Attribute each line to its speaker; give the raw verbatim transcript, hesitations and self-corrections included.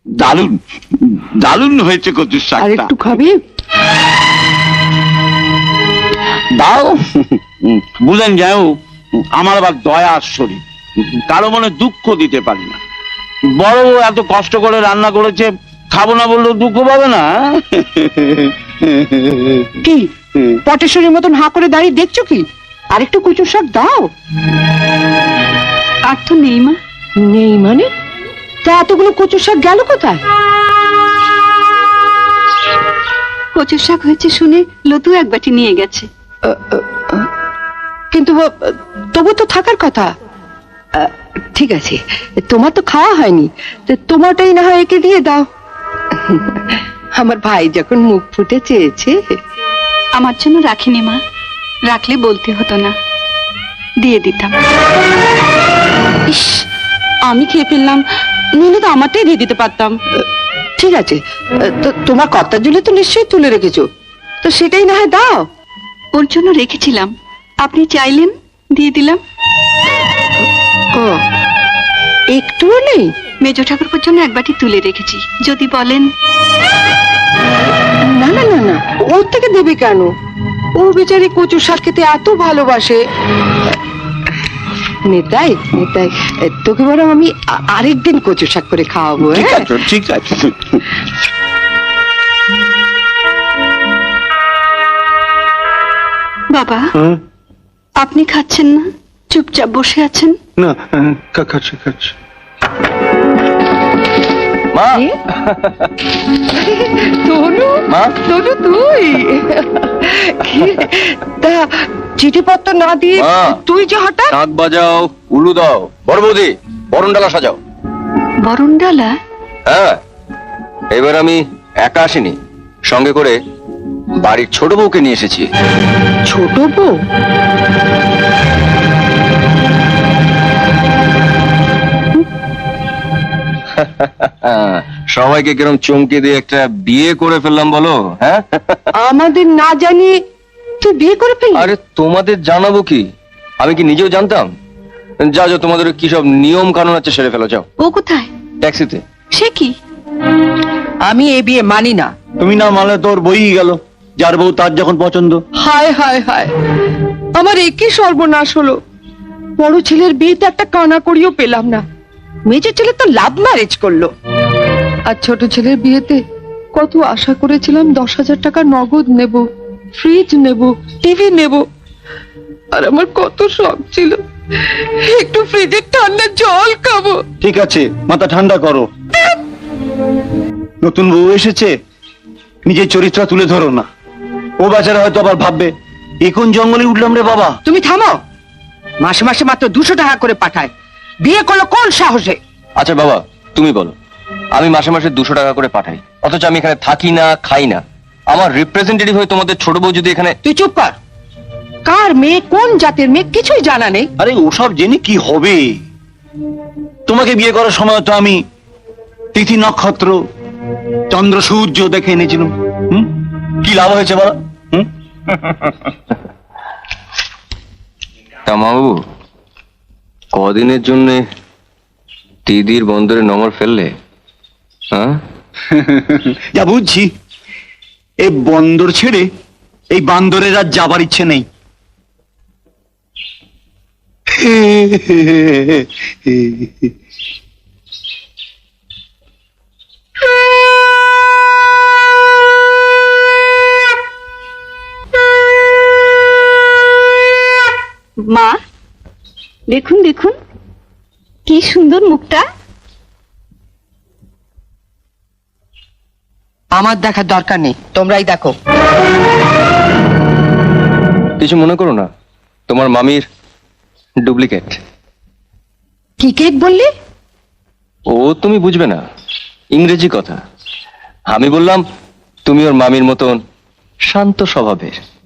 Speaker 1: দারুণ দারুণ হয়েছে কচুর
Speaker 2: আর
Speaker 1: শাকটা।
Speaker 2: একটু খাবি?
Speaker 1: দাও। বুঝলেন যাও, আমার আবার দয়ার শরীর, কারো মনে দুঃখ দিতে পারি না। বড় বউ এত কষ্ট করে রান্না করেছে, খাবো না বললেও দুঃখ পাবে না।
Speaker 2: কি পটেশ্বরীর মতন হাঁ করে দাঁড়িয়ে দেখছো কি? আর একটু কচুর শাক দাও।
Speaker 3: আর তো নেই মা।
Speaker 2: নেই মানে? তা এতগুলো কচুর শাক গেল কোথায়?
Speaker 3: কচুর শাক হয়েছে শুনে লতু এক বাটি নিয়ে গেছে।
Speaker 2: কিন্তু তবু তো থাকার কথা। আহ, ঠিক আছে, তোমার তো খাওয়া হয়নি, তো তোমারটাই না হয় একে দিয়ে দাও। আমার ভাই যখন মুখ ফুটে চেয়েছে।
Speaker 3: আমার জন্য রাখিনি মা, রাখলে বলতে হতো না, দিয়ে দিতাম। ইস, আমি খেয়ে ফেললাম, নইলে তো আমারটাই দিয়ে দিতে পারতাম।
Speaker 2: ঠিক আছে, তো তোমার কর্তার জন্য তো নিশ্চয়ই তুলে রেখেছো, তো সেটাই না হয় দাও।
Speaker 3: ওর জন্য রেখেছিলাম, আপনি চাইলেন দিয়ে দিলাম।
Speaker 2: ও, একটুও নেই?
Speaker 3: মেজ ঠাকুরপুর জন্য এক বাটি তুলে রেখেছি, যদি বলেন।
Speaker 2: না না না না, ওর থেকে দেবে কেন? ও বেচারি কচু শাক খেতে এত ভালোবাসে। নেতাই নেতাই, তোকে বরং আমি আ- আরেকদিন কচু শাক করে খাওয়াবো।
Speaker 1: ঠিক
Speaker 2: হ্যাঁ,
Speaker 1: আছে ঠিক আছে।
Speaker 3: বাবা, আপনি খাচ্ছেন না, চুপচাপ বসে আছেন।
Speaker 1: না, খাচ্ছি খাচ্ছি।
Speaker 4: মা,
Speaker 2: এ? তনু,
Speaker 4: মা,
Speaker 2: তনু তুই? কি রে? তা চিঠিপত্র না দিয়ে
Speaker 4: মা।
Speaker 2: তুই যে হঠাৎ?
Speaker 4: নাক বাজাও, উলু দাও, বড় বৌদি বরণ ডালা সাজাও।
Speaker 3: বরণ ডালা?
Speaker 4: হ্যাঁ, এবার আমি একা আসিনি, সঙ্গে করে বাড়ির ছোট বউকে নিয়ে এসেছি।
Speaker 2: ছোট বউ?
Speaker 4: হ্যাঁ, সবাইকে কিরম চমকে দিয়ে একটা বিয়ে করে ফেললাম বলো। হ্যাঁ,
Speaker 2: আমাদের না জানিয়ে তুই বিয়ে করে ফেললি?
Speaker 4: আরে তোমাদের জানাবো কি, আমি কি নিজেও জানতাম? যা যা, তোমাদের কি সব নিয়ম কানুন আছে সেরে ফেলো, যাও।
Speaker 3: ও কোথায়?
Speaker 4: ট্যাক্সিতে।
Speaker 3: সে কি?
Speaker 2: আমি এ বিয়ে মানি না।
Speaker 1: তুমি না মানলে তোর বই গেল, যার বউ তার যখন পছন্দ।
Speaker 2: হায় হায় হায়, আমার একই সর্বনাশ হলো। বড় ছেলের বিয়েতে একটা কানা করিও পেলাম না, মেজর ছেলে তো লাভ ম্যারেজ করলো। আর ছোট ছেলের বিয়েতে কত আশা করেছিলাম, দশ হাজার টাকা নগদ নেব, ফ্রিজ নেব, টিভি নেব। আর আমার কত শখ ছিল একটু ফ্রিজের ঠান্ডা জল খাবো।
Speaker 1: ঠিক আছে, মাথা ঠান্ডা করো। নতুন বউ এসেছে, নিজের চরিত্র তুলে ধরো না। ও বেচারা হয়তো আবার ভাববে, এখন জঙ্গলে উঠলাম রে বাবা।
Speaker 2: তুমি থামো, মাসে মাসে মাত্র দুশো টাকা করে পাঠায়, বিয়ে করলো কোন সাহসে?
Speaker 4: আচ্ছা বাবা, তুমি বলো, আমি মাসে মাসে দুশো টাকা করে পাঠাই, অথচ আমি এখানে থাকি না, খাই না। আমার রিপ্রেজেন্টেটিভ হয়ে তোমাদের ছোট বউ যদি এখানে।
Speaker 2: তুই চুপ কর, কার মেয়ে কোন জাতের মেয়ে কিছুই জানা নেই।
Speaker 1: আরে ওসব জেনে কি হবে? তোমাকে বিয়ে করার সময় তো আমি তিথি নক্ষত্র চন্দ্র সূর্য দেখে এনেছিলাম। হুম, কি লাভ হয়েছে বলো? হুম,
Speaker 4: তা মাবাবু, কদিনের জন্য দিদির বন্দরে নমর ফেললে? হ্যাঁ,
Speaker 1: যা বুঝছি, এই বন্দর ছেড়ে এই বান্দরের আর যাবার ইচ্ছে নেই।
Speaker 3: মা, দেখুন দেখুন, কি সুন্দর মুখটা।
Speaker 2: আমার দেখার দরকার নেই, তোমরাই দেখো।
Speaker 4: কিছু মনে করো না, তোমার মামির ডুপ্লিকেট।
Speaker 2: কি কেক বললি?
Speaker 4: ও তুমি বুঝবে না, ইংরেজি কথা। আমি বললাম তুমি ওর মামির মতন শান্ত স্বভাবের।